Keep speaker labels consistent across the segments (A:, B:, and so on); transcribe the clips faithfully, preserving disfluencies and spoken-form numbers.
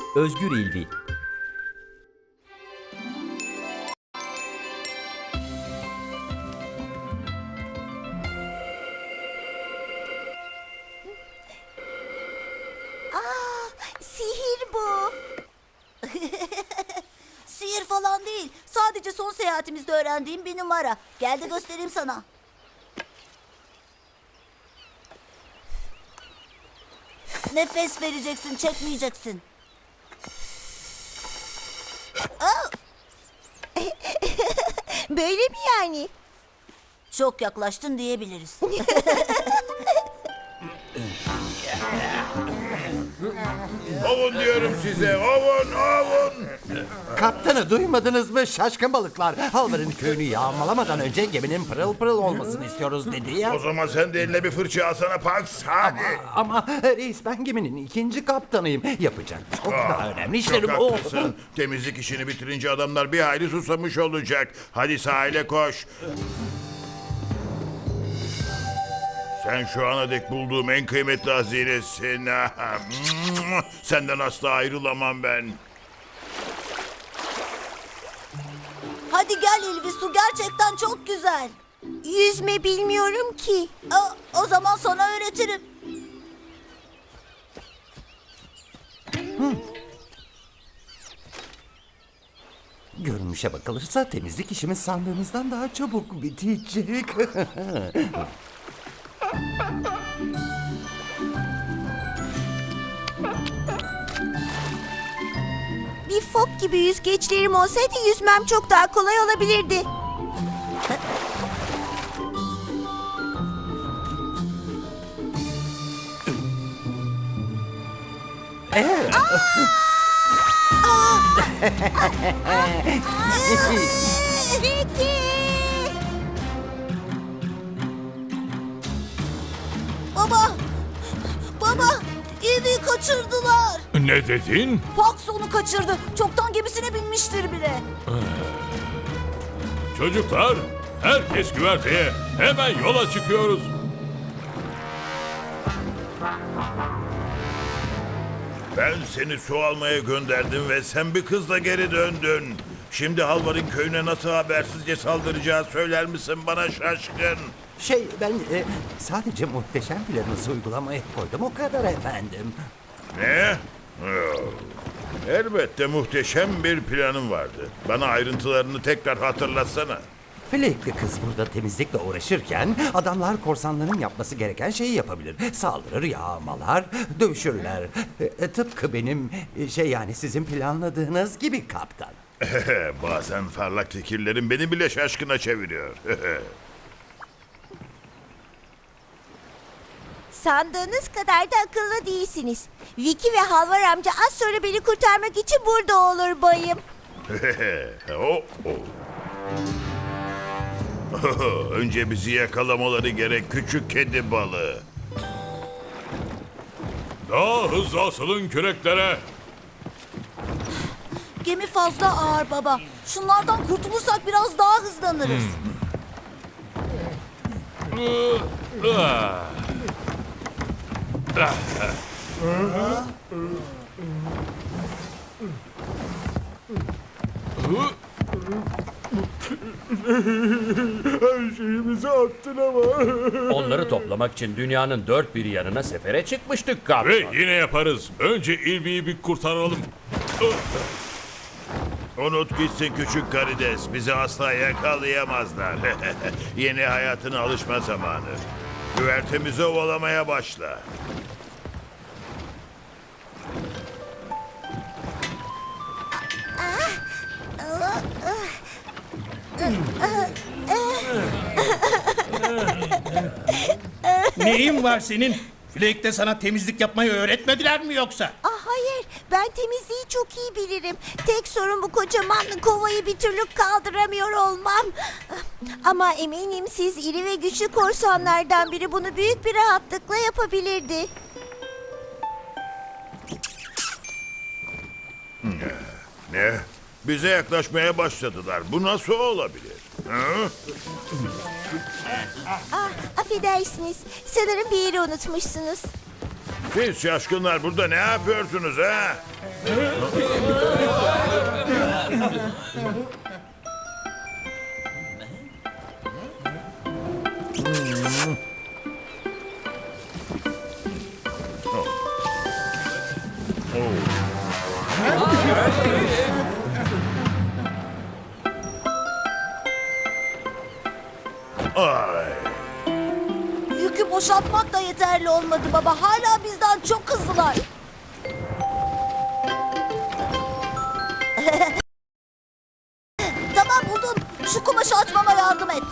A: Özgür İlvi.
B: Sihir bu. Sihir falan değil. Sadece son seyahatimizde öğrendiğim bir numara. Gel de göstereyim sana. Nefes vereceksin, çekmeyeceksin.
C: Böyle mi yani?
B: Çok yaklaştın diyebiliriz.
D: Ovun diyorum size, ovun, ovun.
E: Kaptanı duymadınız mı şaşkın balıklar? Halvar'ın köyünü yağmalamadan önce geminin pırıl pırıl olmasını istiyoruz dedi ya.
D: O zaman sen de eline bir fırça alsana Pax, hadi.
E: Ama reis ben geminin ikinci kaptanıyım. Yapacak çok daha önemli işlerim
D: Çok
E: o.
D: haklısın. Temizlik işini bitirince adamlar bir hayli susamış olacak. Hadi sahile koş. Sen şu ana dek bulduğum en kıymetli hazinesin. Senden asla ayrılamam ben.
B: Hadi gel İlvi, su gerçekten çok güzel.
C: Yüzme bilmiyorum ki.
B: Aa, o zaman sana öğretirim.
E: Görünüşe bakılırsa temizlik işimiz sandığımızdan daha çabuk bitecek.
C: Bir fok gibi yüzgeçlerim olsaydı yüzmem çok daha kolay olabilirdi. Peki.
B: Baba, baba, İlvi'yi kaçırdılar.
F: Ne dedin?
B: Pax onu kaçırdı. Çoktan gemisine binmiştir bile.
F: Çocuklar, herkes güverteye. Hemen yola çıkıyoruz.
D: Ben seni su almaya gönderdim ve sen bir kızla geri döndün. Şimdi Halvar'ın köyüne nasıl habersizce saldıracağı söyler misin bana şaşkın?
E: Şey ben e, sadece muhteşem planınızı uygulamaya koydum o kadar efendim.
D: Ne? Oh. Elbette muhteşem bir planım vardı. Bana ayrıntılarını tekrar hatırlatsana.
E: Flekli kız burada temizlikle uğraşırken adamlar korsanların yapması gereken şeyi yapabilir. Saldırır, yağmalar, dövüşürler. E, e, tıpkı benim e, şey yani sizin planladığınız gibi kaptan.
D: Bazen parlak fikirlerin beni bile şaşkına çeviriyor.
C: Sandığınız kadar da akıllı değilsiniz. Vicky ve Halvar amca az sonra beni kurtarmak için burada olur bayım.
D: oh, oh. Önce bizi yakalamaları gerek küçük kedi balığı.
F: Daha hızlı asılın küreklere.
B: Gemi fazla ağır baba. Şunlardan kurtulursak biraz daha hızlanırız.
A: Onları toplamak için dünyanın dört bir yanına sefere çıkmıştık kaptan.
F: Ve yine yaparız. Önce İlvi'yi bir kurtaralım.
D: Unut gitsin küçük karides. Bizi asla yakalayamazlar. Yeni hayatına alışma zamanı. Güvertemizi ovalamaya başla.
G: Neyin var senin? Flake'de sana temizlik yapmayı öğretmediler mi yoksa?
C: Ah hayır, ben temizliği çok iyi bilirim. Tek sorun bu kocaman kovayı bir türlü kaldıramıyor olmam. Ama eminim siz iri ve güçlü korsanlardan biri bunu büyük bir rahatlıkla yapabilirdi.
D: Ne? Bize yaklaşmaya başladılar. Bu nasıl olabilir? Hı?
C: Ah, affedersiniz. Sanırım bir yeri unutmuşsunuz.
D: Siz şaşkınlar burada ne yapıyorsunuz ha? Ay.
B: Yükü boşaltmak da yeterli olmadı baba. Hala bizden çok hızlılar. Tamam buldum. Şu kumaşı açmama yardım et.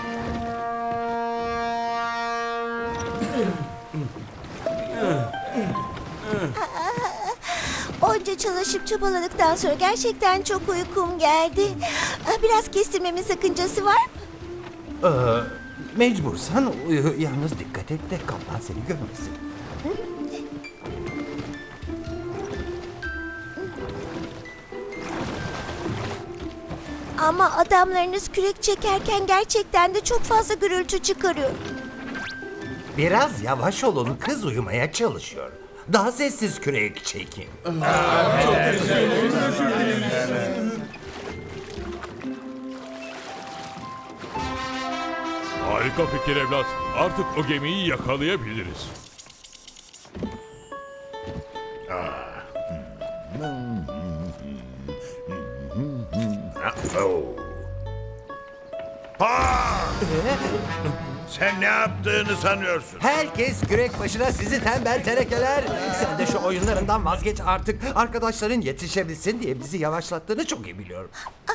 C: Onca çalışıp çabaladıktan sonra gerçekten çok uykum geldi. Ah, Biraz kestirmemin sakıncası var mı?
E: Ee, mecbursan uyu. Yalnız dikkat et de kaplan seni görmesin.
C: Ama adamlarınız kürek çekerken gerçekten de çok fazla gürültü çıkarıyor.
E: Biraz yavaş olun, kız uyumaya çalışıyor. Daha sessiz kürek çekin.
F: Harika fikir evlat. Artık o gemiyi yakalayabiliriz.
D: Oh. Ha! Sen ne yaptığını sanıyorsun?
E: Herkes kürek başına, sizi tembel terekeler. Sen de şu oyunlarından vazgeç artık. Arkadaşların yetişebilsin diye bizi yavaşlattığını çok iyi biliyorum.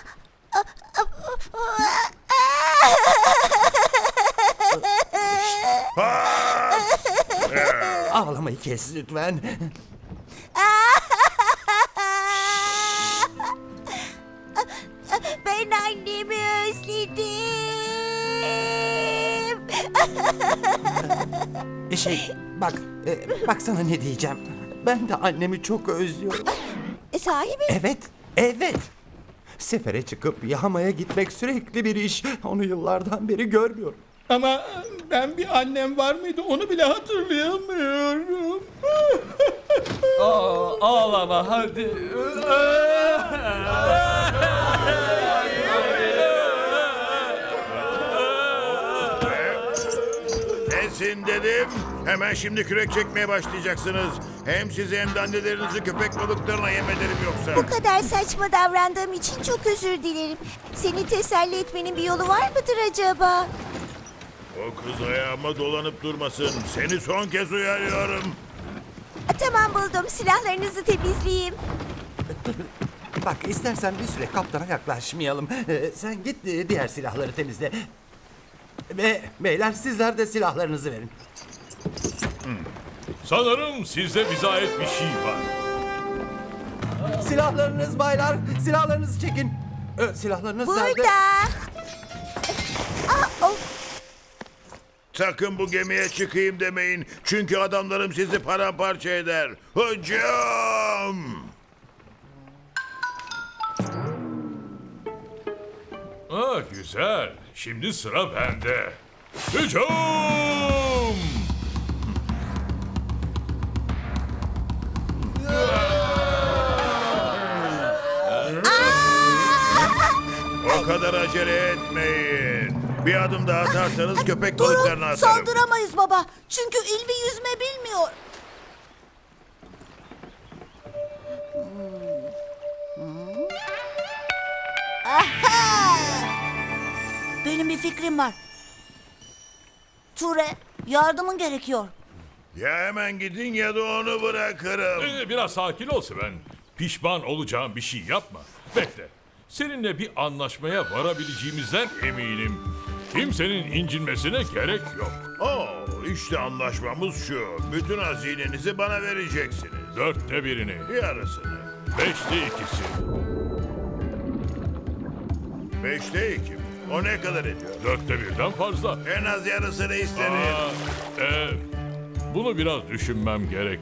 E: Ağlamayı kes lütfen.
C: Ben annemi özledim.
E: Şey, bak, e, bak sana ne diyeceğim. Ben de annemi çok özlüyorum.
C: E, sahi mi?
E: Evet, evet. Sefere çıkıp yahamaya gitmek sürekli bir iş. Onu yıllardan beri görmüyorum.
G: Ama ben bir annem var mıydı onu bile hatırlayamıyorum.
A: Ağlama hadi.
D: Kesin dedim. Hemen şimdi kürek çekmeye başlayacaksınız. Hem sizi hem de annelerinizi köpek balıklarına yem ederim yoksa.
C: Bu kadar saçma davrandığım için çok özür dilerim. Seni teselli etmenin bir yolu var mıdır acaba?
D: O kız ayağıma dolanıp durmasın. Seni son kez uyarıyorum.
C: A, Tamam buldum. Silahlarınızı temizleyeyim.
E: Bak, istersen bir süre kaptana yaklaşmayalım. Ee, sen git e, diğer silahları temizle. Ve beyler, sizler de silahlarınızı verin.
F: Sanırım sizde bize ait bir şey var.
E: Silahlarınız baylar, silahlarınızı çekin. Ee, silahlarınız nerede?
C: Burada. Aa, oh.
D: Sakın bu gemiye çıkayım demeyin. Çünkü adamlarım sizi paramparça eder. Hücum!
F: Aa, güzel. Şimdi sıra bende. Hücum!
D: O kadar acele etmeyin. Bir adım daha atarsanız köpek balıklarına
B: Durun,
D: atarım.
B: saldıramayız baba. Çünkü İlvi yüzme bilmiyor. Aha! Benim bir fikrim var. Ture, yardımın gerekiyor.
D: Ya hemen gidin ya da onu bırakırım.
F: Ee, biraz sakin ol Sven. Pişman olacağım bir şey yapma. Bekle. Seninle bir anlaşmaya varabileceğimizden eminim. Kimsenin incinmesine gerek yok.
D: Oo, işte anlaşmamız şu. Bütün hazinenizi bana vereceksiniz.
F: Dörtte birini,
D: Yarısını.
F: beşte ikisi.
D: Beşte iki. O ne kadar ediyor?
F: Dörtte birden fazla.
D: En az yarısını isterim.
F: Aa, e, bunu biraz düşünmem gerek.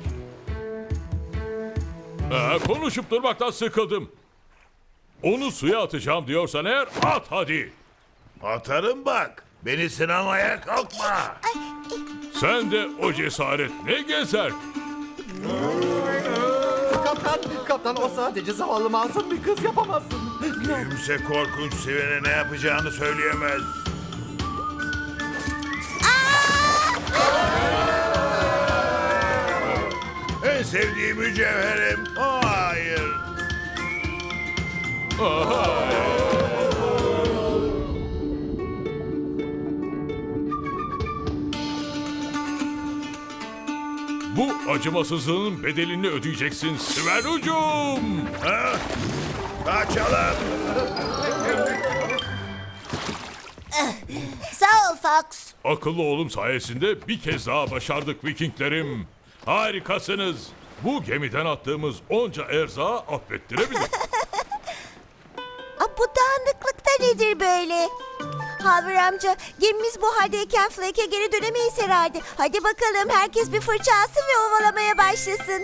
F: Ee, konuşup durmaktan sıkıldım. Onu suya atacağım diyorsan eğer at hadi.
D: Atarım bak. Beni sınamaya kalkma.
F: Sen de o cesaret ne gezer?
E: Kaptan, kaptan o sadece zavallı masum bir kız, yapamazsın.
D: Kimse korkunç Sven'e ne yapacağını söyleyemez. En sevdiğim mücevherim. Oh, hayır.
F: Bu acımasızlığın bedelini ödeyeceksin Sven ucum.
D: Ha? Kaçalım.
B: Sağ ol Fox.
F: Akıllı oğlum sayesinde bir kez daha başardık Vikinglerim. Harikasınız. Bu gemiden attığımız onca erzağı affettirebilir.
C: Aa, bu dağınıklık da nedir böyle? Haver amca, gemimiz bu haldeyken Flake'e geri dönemeyiz herhalde. Hadi bakalım, herkes bir fırça alsın ve ovalamaya başlasın.